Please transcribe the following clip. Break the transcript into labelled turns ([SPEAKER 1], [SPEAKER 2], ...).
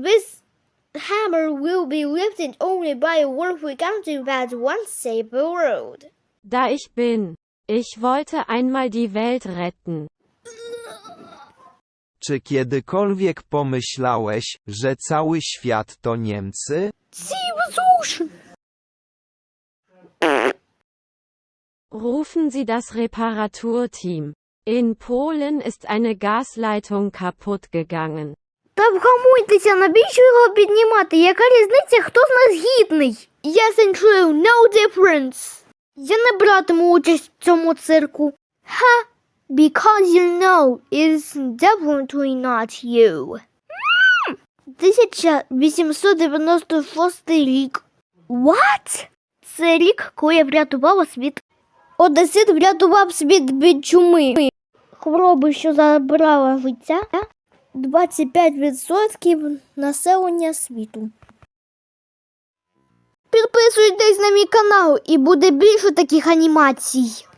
[SPEAKER 1] This hammer will be lifted only by a worldly country that once saved the world.
[SPEAKER 2] Da ich bin. Ich wollte einmal die Welt retten.
[SPEAKER 3] Czy kiedykolwiek pomyślałeś, że cały świat to Niemcy?
[SPEAKER 2] Rufen Sie das Reparaturteam. In Polen ist eine Gasleitung kaputt gegangen.
[SPEAKER 1] Та вгамуйтеся, навіщо його піднімати? Яка різниця, хто з нас гідний? Yes and true, no difference. Я не братиму участь в цьому цирку. Ха, because you know it's definitely not you. 1896 рік. What? Це рік, коли я врятувала світ. Одесит врятував світ від чуми. Хвороби, що забрала життя 25% населення світу. Підписуйтесь на мій канал і буде більше таких анімацій.